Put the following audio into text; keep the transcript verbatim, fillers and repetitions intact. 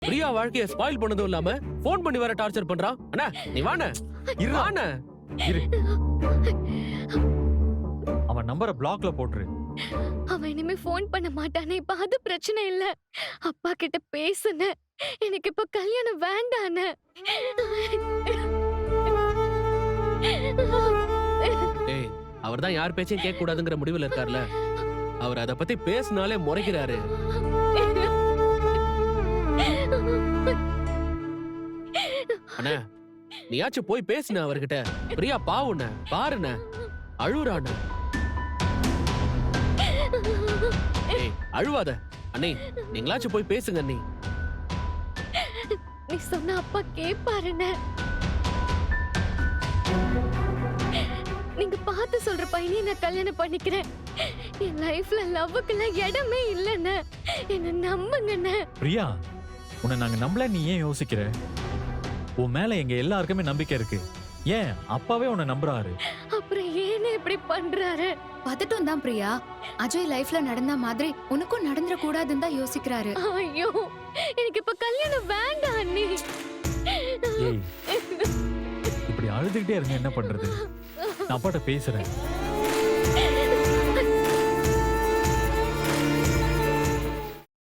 பிரியா வாழ்க்கைய ஸ்பாயில் பண்ணதும் இல்லாம போன் பண்ணி வேற டார்ச்சர் பண்றான். அண்ணா நீ வாண்ணே, இரு வாண்ணே. இரு. அவன் நம்பரை பிளாக்ல போட்டுரு. அவன் இனிமே போன் பண்ண மாட்டானே, இப்ப அது பிரச்சனை இல்ல. அப்பா கிட்ட பேசுன, எனக்கு இப்ப கல்யாணம் வேண்டானே. ஏய், அவர்தான் யார் பேச்சையும் கேட்க கூடாதுங்கிற முடிவுல இருக்கார்ல. அவர் அத பத்தி பேசினாலே முறைக்கிறாரு. அண்ணா நீயாச்சும் போய் பேசுன அவர்கிட்ட. பிரியா பாவுண்ண பாருண்ண, அழுறாண்ண. ஏய் அழுவாத அண்ணே, நீங்களாச்சும் போய் பேசுங்க அண்ணே. நீ சொன்ன அப்பா கேப்பாருன்னு. நீங்க பார்த்து சொல்ற பையனே நான் கல்யாணம் பண்ணிக்கிறேன். என் லைஃப்ல லவ்வுக்குலாம் இடமே இல்லைன்னு என்ன நம்புங்கண்ணே. பிரியா, உன்னை நாங்க நம்பல, நீ ஏன் யோசிக்கிற? உன் மேல எங்க எல்லாருக்குமே நம்பிக்கை இருக்கு. ஏன் அப்பாவே உன்னை நம்புறாரு. அப்புறம் ஏன்னு இப்படி பண்றாரு? பதட்டம் தான் பிரியா. அஜய் லைஃப்ல நடந்த மாதிரி உனக்கும் நடந்துட கூடாதுன்னு தான் யோசிக்கிறாரு. ஐயோ, எனக்கு இப்ப கல்யாணம் வேண்டாம் அண்ணி. ஏய், இப்படி அழுதுகிட்டே இருங்க என்ன பண்றது? நான் அப்பாட்ட பேசுறேன்.